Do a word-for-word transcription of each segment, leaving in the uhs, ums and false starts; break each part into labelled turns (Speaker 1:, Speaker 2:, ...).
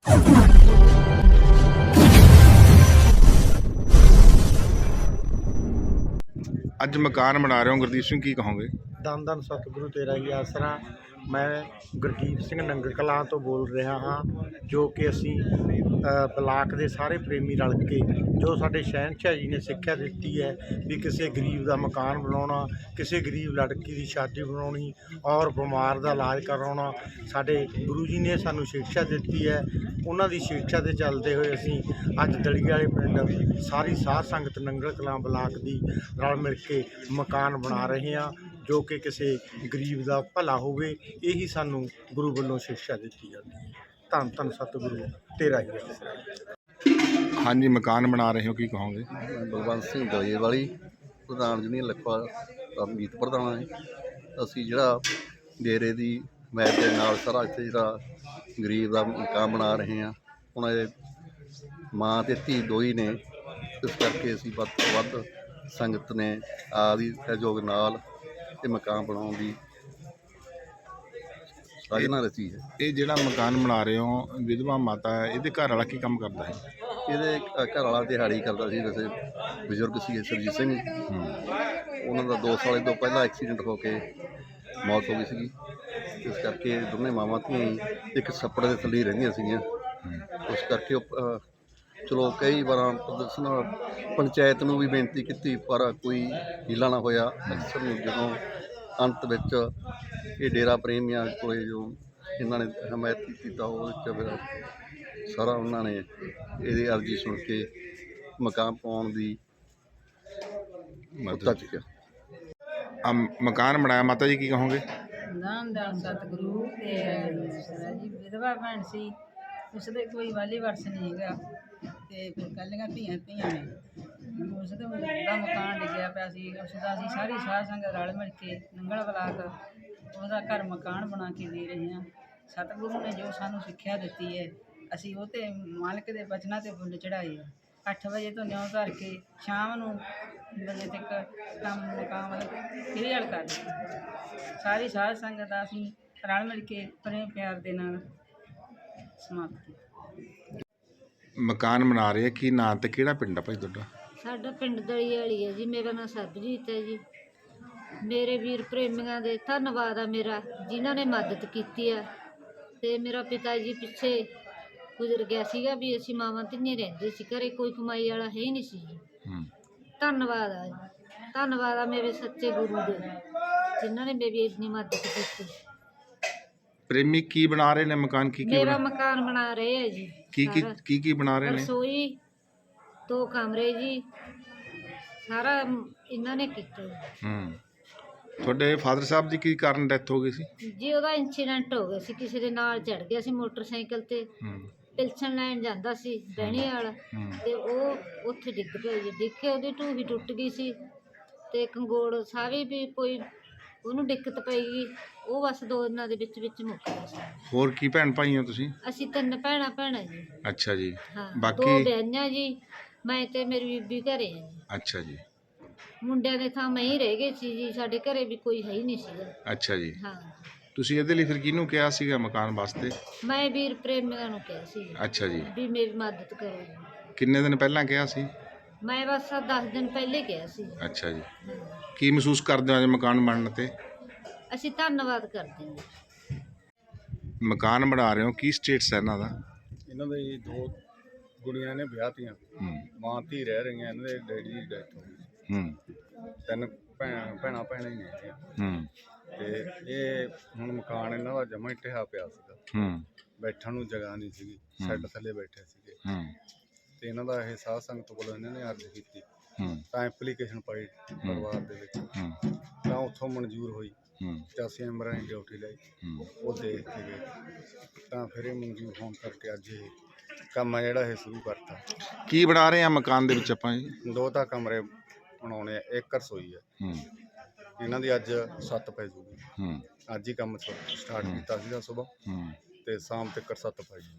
Speaker 1: ਅੱਜ ਮਕਾਨ ਬਣਾ ਰਹੇ ਹੋ ਗੁਰਦੀਪ ਸਿੰਘ, ਕੀ ਕਹੋਗੇ?
Speaker 2: धन धन सतगुरु तेरा ही आसरा। मैं गुरदीप सिंह नंगल कलां तो बोल रहा हाँ, जो कि असी ब्लाक के सारे प्रेमी रल के जो साडे शहनशाह जी ने सिक्ख्या दी है भी किसी गरीब का मकान बनाना, किसी गरीब लड़की की शादी बनानी और बीमार का इलाज करवाना, साडे गुरु जी ने सानू शिक्षा दी है। उन्हों की शिक्षा के चलते हुए असी अज दली वाले पिंड सारी साध संगत नंगल कलां ब्लाक की रल मिल के मकान बना रहे हैं, जो कि किसी गरीब का भला होवे, यही सानू गुरु वालों शिक्षा दी जाती है। धन धन सतगुरु तेरा ही आसरा।
Speaker 1: हाँ जी, मकान बना रहे हो, की कहोगे?
Speaker 3: बलवंत सिंह दलेर वाली प्रधान यूनियन लखवा का मीत प्रधान है। असी जिहड़ा डेरे की मैच के नाल सारा इत्थे जिहड़ा गरीब का मकान बना रहे हैं, हुण माँ ते धी दो ही ने, इस करके असी वध तो वध संगत ने आदि सहयोग नाल ये मकान बनाने की साजना रची है।
Speaker 1: ये जिहड़ा मकान बना रहे हो, विधवा माता है, ये घर वाला की काम करता है?
Speaker 3: ये घर वाला दिहाड़ी करता सी, वैसे बजुर्ग सी सरजीत सिंह, उन्होंने दो साल तो पहला एक्सीडेंट होके मौत हो गई सी। इस करके दोनों मावां धी एक छप्पड़ के थल्ले रहिंदियां सीगीआं। उस करके चलो कई बार प्रदर्शन पंचायत नूं भी बेनती की, पर कोई हीला ना होया। अक्सर जो अंत विच ये डेरा प्रेमियां को जो इन्होंने हमायत की तो फिर सारा उन्होंने ये अर्जी सुन के मकान पाउण दी मुद्दा चुक्या।
Speaker 1: मकान बनाया, माता जी की कहोगे?
Speaker 4: धन धन सतगुरु तेरा जी। विधवा भैन सी, उसदे कोई वाली वर्ष नहीं हैगा, ते फिर कल्लियां धीआं धीआं ने उसदे उहदा मकान डिग्गिया पिया सी। उसदा असीं सारी साध संगत रल मिल के नंगल ब्लाक ਉਹਦਾ घर मकान बना के दे रहे हैं। सतगुरु ने जो सानू सिक्ख्या दी है, असी वो ते मालिक के बचना ते फुल चढ़ाए है। अठ बजे तो न्यों धर के शाम नूं बजे तक काम मकाम क्लीयर कर दित्ता। सारी साध संगत असी रल मिल के प्रेम प्यार दे नाल समाप्त की।
Speaker 1: मकान बना रहे की नां ते किहड़ा पिंड आ भाई तुहाडा?
Speaker 5: साडा पिंड दली वाली है जी। मेरा नाम सरबजीत है जी। मेरे वीर प्रेमियों के धन्नवाद है मेरा, जिन्होंने मदद की है। तो मेरा पिता जी पिछे गुजर गया सीगा भी असी मावां तिन्ने रहिंदे सी, घरे कोई कमाई वाला है ही नहीं सी जी। धन्नवाद है, धन्नवाद है मेरे सच्चे गुरु दे, जिन्होंने मेरी इतनी मदद की।
Speaker 1: प्रेमी की बना रहे ने मकान? की की
Speaker 5: मेरा
Speaker 1: बना...
Speaker 5: मकान बना रहे हैं जी।
Speaker 1: की की की की बना रहे ने?
Speaker 5: रसोई, दो कमरे जी, सारा इन्होंने किया।
Speaker 1: हम्म ਤੁਹਾਡੇ ਫਾਦਰ ਸਾਹਿਬ ਦੀ ਕੀ ਕਾਰਨ ਡੈਥ ਹੋ ਗਈ ਸੀ
Speaker 5: ਜੀ? ਉਹਦਾ ਇੰਸੀਡੈਂਟ ਹੋ ਗਿਆ ਸੀ, ਕਿਸੇ ਦੇ ਨਾਲ ਚੜ ਗਿਆ ਸੀ ਮੋਟਰਸਾਈਕਲ ਤੇ, ਪਿਲਸਣ ਲੈਣ ਜਾਂਦਾ ਸੀ ਬਹਿਣੇ ਵਾਲਾ, ਤੇ ਉਹ ਉੱਥੇ ਡਿੱਗ ਪਿਆ ਜੀ। ਡਿੱਗ ਕੇ ਉਹਦੀ ਢੂਹੀ ਟੁੱਟ ਗਈ ਸੀ, ਤੇ ਕੰਗੋੜ ਸਾਰੀ ਵੀ ਕੋਈ ਉਹਨੂੰ ਦਿੱਕਤ ਪਈ ਗਈ। ਉਹ ਬਸ ਦੋ ਦਿਨਾਂ ਦੇ ਵਿੱਚ ਵਿੱਚ ਮੁੱਕ ਗਿਆ ਸੀ।
Speaker 1: ਹੋਰ ਕੀ ਭੈਣ ਭਾਈ ਹੋ ਤੁਸੀਂ?
Speaker 5: ਅਸੀਂ ਤਿੰਨ ਭੈਣਾਂ ਭੈਣਾਂ ਜੀ।
Speaker 1: ਅੱਛਾ ਜੀ।
Speaker 5: ਹਾਂ,
Speaker 1: ਬਾਕੀ
Speaker 5: ਦੋ ਵਿਆਹੀਆਂ ਜੀ, ਮੈਂ ਤੇ ਮੇਰੀ ਬੀਬੀ ਘਰੇ ਆ ਜੀ।
Speaker 1: ਅੱਛਾ ਜੀ।
Speaker 5: ਮੁੰਡਿਆਂ ਦੇ ਥਾਂ ਮੈਂ ਹੀ ਰਹਿ ਗਈ ਸੀ ਜੀ, ਸਾਡੇ ਘਰੇ ਵੀ ਕੋਈ ਹੈ ਹੀ ਨਹੀਂ ਸੀਗਾ।
Speaker 1: ਅੱਛਾ ਜੀ।
Speaker 5: ਹਾਂ,
Speaker 1: ਤੁਸੀਂ ਇਹਦੇ ਲਈ ਫਿਰ ਕਿਹਨੂੰ ਕਿਹਾ ਸੀਗਾ ਮਕਾਨ ਵਾਸਤੇ?
Speaker 5: ਮੈਂ ਵੀਰ ਪ੍ਰੇਮੀਆਂ ਨੂੰ ਕਿਹਾ ਸੀ
Speaker 1: ਅੱਛਾ ਜੀ,
Speaker 5: ਵੀ ਮੇਰੀ ਮਦਦ ਕਰੋ ਜੀ।
Speaker 1: ਕਿੰਨੇ ਦਿਨ ਪਹਿਲਾਂ ਕਿਹਾ ਸੀ?
Speaker 5: ਮੈਂ ਬਸ ਦਸ ਦਿਨ ਪਹਿਲੇ ਕਿਹਾ ਸੀ।
Speaker 1: ਅੱਛਾ ਜੀ।
Speaker 5: ਹਾਂ।
Speaker 1: ਕੀ ਮਹਿਸੂਸ ਕਰਦੇ ਹੋ ਅੱਜ ਮਕਾਨ ਬਣਨ ਤੇ?
Speaker 5: ਅਸੀਂ ਧੰਨਵਾਦ ਕਰਦੇ ਹਾਂ।
Speaker 1: ਮਕਾਨ ਬਣਾ ਰਹੇ ਹੋ, ਕੀ ਸਟੇਟਸ ਹੈ ਇਹਨਾਂ ਦਾ?
Speaker 2: ਇਹਨਾਂ ਦੇ ਦੋ ਕੁੜੀਆਂ ਨੇ ਵਿਆਹਤੀਆਂ, ਮਾਂ ਧੀ ਰਹਿ ਰਹੀਆਂ, ਇਹਨਾਂ ਦੇ ਡੈਡੀ ਦੀ ਡੈਥ ਹੋ ਗਈ।
Speaker 1: ਹੂੰ
Speaker 2: ਤਿੰਨ ਭੈਣ ਭੈਣਾਂ ਭੈਣਾਂ ਹੀ ਨੇ।
Speaker 1: ਹੂੰ
Speaker 2: ਤੇ ਇਹ ਹੁਣ ਮਕਾਨ ਇਹਨਾਂ ਦਾ ਜਮਾ ਹੀ ਢਹਿਆ ਪਿਆ ਸੀਗਾ।
Speaker 1: ਹੂੰ
Speaker 2: ਬੈਠਣ ਨੂੰ ਜਗ੍ਹਾ ਨਹੀਂ ਸੀਗੀ, ਸੈੱਟ ਥੱਲੇ ਬੈਠੇ ਸੀਗੇ।
Speaker 1: ਹੂੰ
Speaker 2: ਤੇ ਇਹਨਾਂ ਦਾ ਇਹ ਸਾਧ ਸੰਗਤ ਕੋਲੋਂ ਇਹਨਾਂ ਨੇ ਅਰਜ਼ ਕੀਤੀ,
Speaker 1: ਹੂੰ
Speaker 2: ਤਾਂ ਐਪਲੀਕੇਸ਼ਨ ਪਾਈ ਪਰਿਵਾਰ ਦੇ ਵਿੱਚ,
Speaker 1: ਹੂੰ
Speaker 2: ਤਾਂ ਉੱਥੋਂ ਮਨਜ਼ੂਰ ਹੋਈ।
Speaker 1: ਹੂੰ
Speaker 2: ਤੇ ਅਸੀਂ ਮੈਂਬਰਾਂ ਦੀ ਡਿਊਟੀ ਲਈ,
Speaker 1: ਹੂੰ
Speaker 2: ਉਹ ਦੇਖ ਕੇ ਗਏ, ਤਾਂ ਫਿਰ ਇਹ ਮਨਜ਼ੂਰ ਹੋਣ ਕਰਕੇ ਅੱਜ ਇਹ ਕੰਮ ਆ ਜਿਹੜਾ ਇਹ ਸ਼ੁਰੂ ਕਰਤਾ।
Speaker 1: ਕੀ ਬਣਾ ਰਹੇ ਆ ਮਕਾਨ ਦੇ ਵਿੱਚ ਆਪਾਂ ਜੀ?
Speaker 2: ਦੋ ਤਾਂ ਕਮਰੇ ਬਣਾਉਣੇ ਆ, ਇੱਕ ਰਸੋਈ ਹੈ।
Speaker 1: ਹੂੰ
Speaker 2: ਇਹਨਾਂ ਦੀ ਅੱਜ ਸੱਤ ਪੈ ਜੂਗੀ।
Speaker 1: ਹੂੰ
Speaker 2: ਅੱਜ ਹੀ ਕੰਮ ਸਟਾਰਟ ਕੀਤਾ ਸੀਗਾ ਸੁਬਾਹ,
Speaker 1: ਹੂੰ
Speaker 2: ਤੇ ਸ਼ਾਮ ਤੱਕ ਸੱਤ ਪੈ ਜੂਗੀ।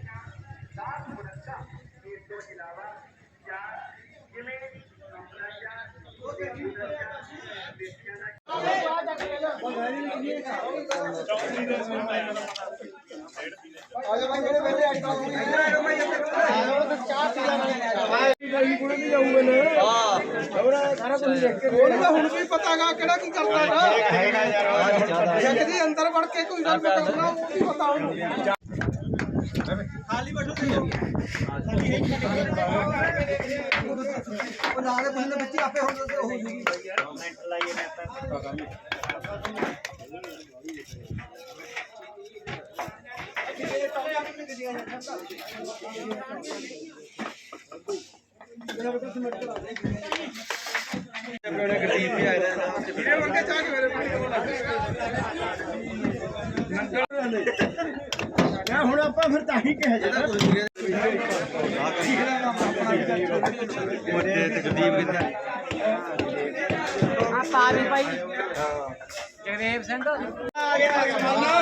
Speaker 2: ਸਾਰੀਆਂ
Speaker 6: ਹੁਣ ਵੀ ਪਤਾਗਾ ਕਿਹੜਾ ਕੀ ਕਰਦਾ ਨਾ ਜਗਦੀ ਅੰਦਰ ਵੜ ਕੇ ਕੋਈ ਗੱਲ ਕਰਨਾ ਉਹ ਵੀ ਪਤਾ ਉਹਨੂੰ ਖਾਲੀ ਬੈਠੋ ਉਹ ਨਾਲੇ ਬੰਦੇ ਵਿੱਚ ਆਪੇ ਹੁਣ ਹੋ ਜੂਗੀ ਹੁਣ ਆਪਾਂ ਫਿਰ ਤਾਂ ਹੀ ਕਿਹਾ ਜਾਂਦਾ ਆਪਾਂ ਵੀ ਭਾਈ ਜਗਦੇਵ ਸਿੰਘ ਆ ਗਿਆ ਆ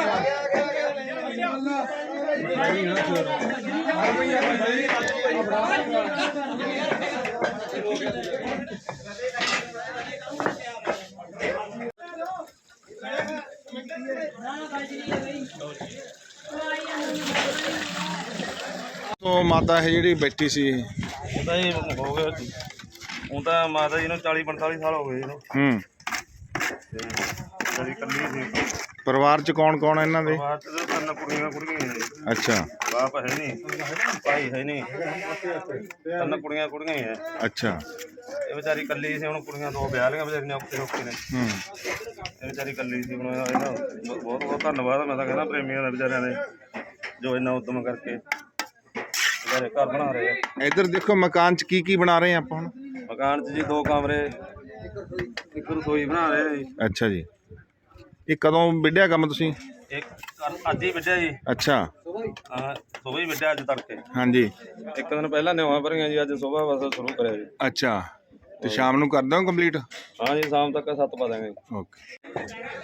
Speaker 1: ਤੋਂ ਮਾਤਾ ਹੈ ਜਿਹੜੀ ਬੈਠੀ ਸੀ
Speaker 7: ਉਹ ਤਾਂ ਜੀ ਹੋ ਗਿਆ ਹੁਣ ਤਾਂ ਮਾਤਾ ਜੀ ਨੂੰ ਚਾਲੀ ਪੰਤਾਲੀ ਸਾਲ ਹੋ ਗਏ ਇਹਨੂੰ
Speaker 1: ਹੂੰ
Speaker 7: ਤੇ ਜਿਹੜੀ ਇਕੱਲੀ ਸੀ
Speaker 1: ਪਰਿਵਾਰ ਚ ਕੌਣ ਕੌਣ ਹੈ ਇਹਨਾਂ ਦੇ
Speaker 7: ਬਾਅਦ ਚ ਤਿੰਨ ਕੁੜੀਆਂ ਕੁੜੀਆਂ ਹੀ ਨੇ ਜੀ।
Speaker 1: ਅੱਛਾ
Speaker 7: ਬਾਪ ਹੈ ਨਹੀਂ ਭਾਈ ਹੈ ਨਹੀਂ ਤਿੰਨ ਕੁੜੀਆਂ ਕੁੜੀਆਂ ਹੀ ਹੈ
Speaker 1: ਅੱਛਾ
Speaker 7: ਇਹ ਵਿਚਾਰੀ ਇਕੱਲੀ ਸੀ ਹੁਣ ਕੁੜੀਆਂ ਦੋ ਵਿਆਹ ਲਈਆਂ ਵਿਚਾਰੀਆਂ ਔਖੇ ਔਖੇ ਨੇ
Speaker 1: ਹੂੰ
Speaker 7: ਇਹ ਵਿਚਾਰੀ ਇਕੱਲੀ ਸੀ ਹੁਣ ਇਹਦਾ ਬਹੁਤ ਬਹੁਤ ਧੰਨਵਾਦ ਮੈਂ ਤਾਂ ਕਹਿੰਦਾ ਪ੍ਰੇਮੀਆਂ ਦਾ ਵਿਚਾਰਿਆਂ ਦੇ ਜੋ ਇੰਨਾ ਉਦਮ ਕਰਕੇ ਵਿਚਾਰੇ ਘਰ ਬਣਾ ਰਹੇ ਆ।
Speaker 1: ਇੱਧਰ ਦੇਖੋ ਮਕਾਨ ਚ ਕੀ ਕੀ ਬਣਾ ਰਹੇ ਆ ਆਪਾਂ ਹੁਣ
Speaker 7: ਮਕਾਨ 'ਚ ਜੀ ਦੋ ਕਮਰੇ ਇੱਕ ਰਸੋਈ ਬਣਾ ਰਹੇ ਆ ਜੀ।
Speaker 1: ਅੱਛਾ ਜੀ ਇਹ ਕਦੋਂ ਵਿੱਢਿਆ ਕੰਮ ਤੁਸੀਂ
Speaker 7: ਇੱਕ ਅੱਜ ਹੀ ਵਿੱਢਿਆ ਜੀ
Speaker 1: ਅੱਛਾ
Speaker 7: ਹਾਂ ਸੁਬਹ ਹੀ ਵਿੱਢਿਆ ਅੱਜ ਤੜਕੇ
Speaker 1: ਹਾਂਜੀ
Speaker 7: ਇੱਕ ਦਿਨ ਪਹਿਲਾਂ ਨਿਵਾਂ ਭਰੀਆਂ ਜੀ ਅੱਜ ਸੁਬਹ ਬਸ ਸ਼ੁਰੂ ਕਰਿਆ ਜੀ।
Speaker 1: ਅੱਛਾ ਤੇ ਸ਼ਾਮ ਨੂੰ ਕਰ ਦਿਓ ਕੰਪਲੀਟ
Speaker 7: ਹਾਂ ਜੀ ਸ਼ਾਮ ਤੱਕ ਸੱਤ ਪਾ ਦਾਂਗੇ।
Speaker 1: ਓਕੇ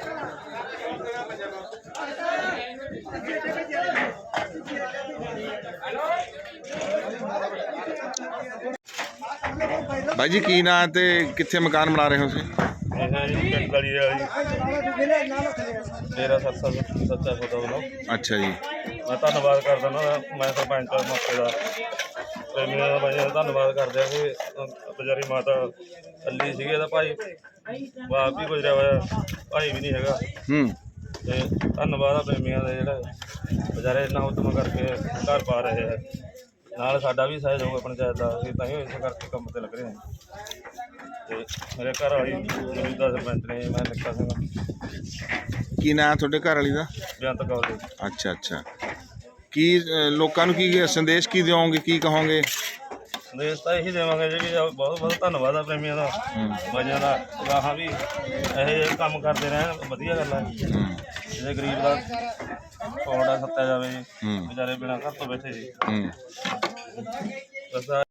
Speaker 1: ਬਾਈ ਜੀ ਕੀ ਨਾਂ ਤੇ ਕਿੱਥੇ ਮਕਾਨ ਬਣਾ ਰਹੇ ਹੋ ਤੁਸੀਂ
Speaker 7: ਇਹ ਹੈ ਜੀ ਪਿੰਡ ਗਲੀ ਵਾਲੀ ਮੇਰਾ ਸੱਚਾ ਸੱਚਾ ਸੌਦਾ ਵੱਲੋਂ
Speaker 1: ਅੱਛਾ ਜੀ
Speaker 7: ਮੈਂ ਧੰਨਵਾਦ ਕਰਦਾ ਨਾ ਮੈਂ ਸਰਪੰਚ ਦਾ ਮੌਕੇ ਦਾ ਪ੍ਰੇਮੀਆਂ ਦਾ ਬਾਈ ਧੰਨਵਾਦ ਕਰਦੇ ਆ ਕਿ ਵਿਚਾਰੀ ਮਾਤਾ ਇਕੱਲੀ ਸੀਗੀ ਇਹਦਾ ਭਾਈ ਬਾਪ ਵੀ ਗੁਜ਼ਰਿਆ ਹੋਇਆ ਭਾਈ ਵੀ ਨਹੀਂ ਹੈਗਾ
Speaker 1: ਹੂੰ
Speaker 7: ਤੇ ਧੰਨਵਾਦ ਆ ਪ੍ਰੇਮੀਆਂ ਦਾ ਜਿਹੜਾ ਵਿਚਾਰੇ ਇੰਨਾ ਉਦਮ ਕਰਕੇ ਘਰ ਪਾ ਰਹੇ ਹੈ ਨਾਲ ਸਾਡਾ ਵੀ ਸਹਿਯੋਗ ਪੰਚਾਇਤ ਦਾ ਅਸੀਂ ਤਾਂ ਹੀ ਇਸ ਕਰਕੇ ਕੰਮ ਤੇ ਲੱਗ ਰਹੇ ਹਾਂ ਤੇ ਮੇਰੇ ਘਰ ਵਾਲੀ ਮੌਜੂਦਾ ਸਰਪੰਚ ਨੇ ਮੈਂ ਨਿੱਕਾ ਸਿੰਘ
Speaker 1: ਕੀ ਨਾਂ ਤੁਹਾਡੇ ਘਰ ਵਾਲੀ ਦਾ
Speaker 7: ਬੇਅੰਤ ਕੌਰ ਜੀ।
Speaker 1: ਅੱਛਾ ਅੱਛਾ ਕੀ ਅ, ਲੋਕਾਂ ਨੂੰ ਕੀ ਸੰਦੇਸ਼ ਕੀ ਦਿਓਗੇ ਕੀ ਕਹੋਗੇ
Speaker 7: ਸੰਦੇਸ਼ ਤਾਂ ਇਹੀ ਦੇਵਾਂਗੇ ਜੀ ਵੀ ਬਹੁਤ ਬਹੁਤ ਧੰਨਵਾਦ ਆ ਪ੍ਰੇਮੀਆਂ ਦਾ ਬਾਈਆਂ ਦਾ ਗਾਹਾਂ ਵੀ ਇਹੋ ਜਿਹੇ ਕੰਮ ਕਰਦੇ ਰਹਿਣ ਵਧੀਆ ਗੱਲ ਹੈ
Speaker 1: ਹੂੰ
Speaker 7: ਜਿਹੜੇ ਗਰੀਬ ਦਾ ਪੌੜਾ ਸੱਤਿਆ ਜਾਵੇ ਜੀ
Speaker 1: ਹੂੰ
Speaker 7: ਵਿਚਾਰੇ ਬਿਨਾਂ ਘਰ ਤੋਂ ਬੈਠੇ ਜੀ
Speaker 1: ਹੂੰ
Speaker 7: ਬਸ ਆ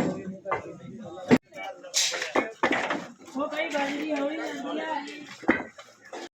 Speaker 4: ਉਹ ਕਈ ਗੱਲ ਨਹੀਂ ਹੋਈ ਜਾਂਦੀ ਆ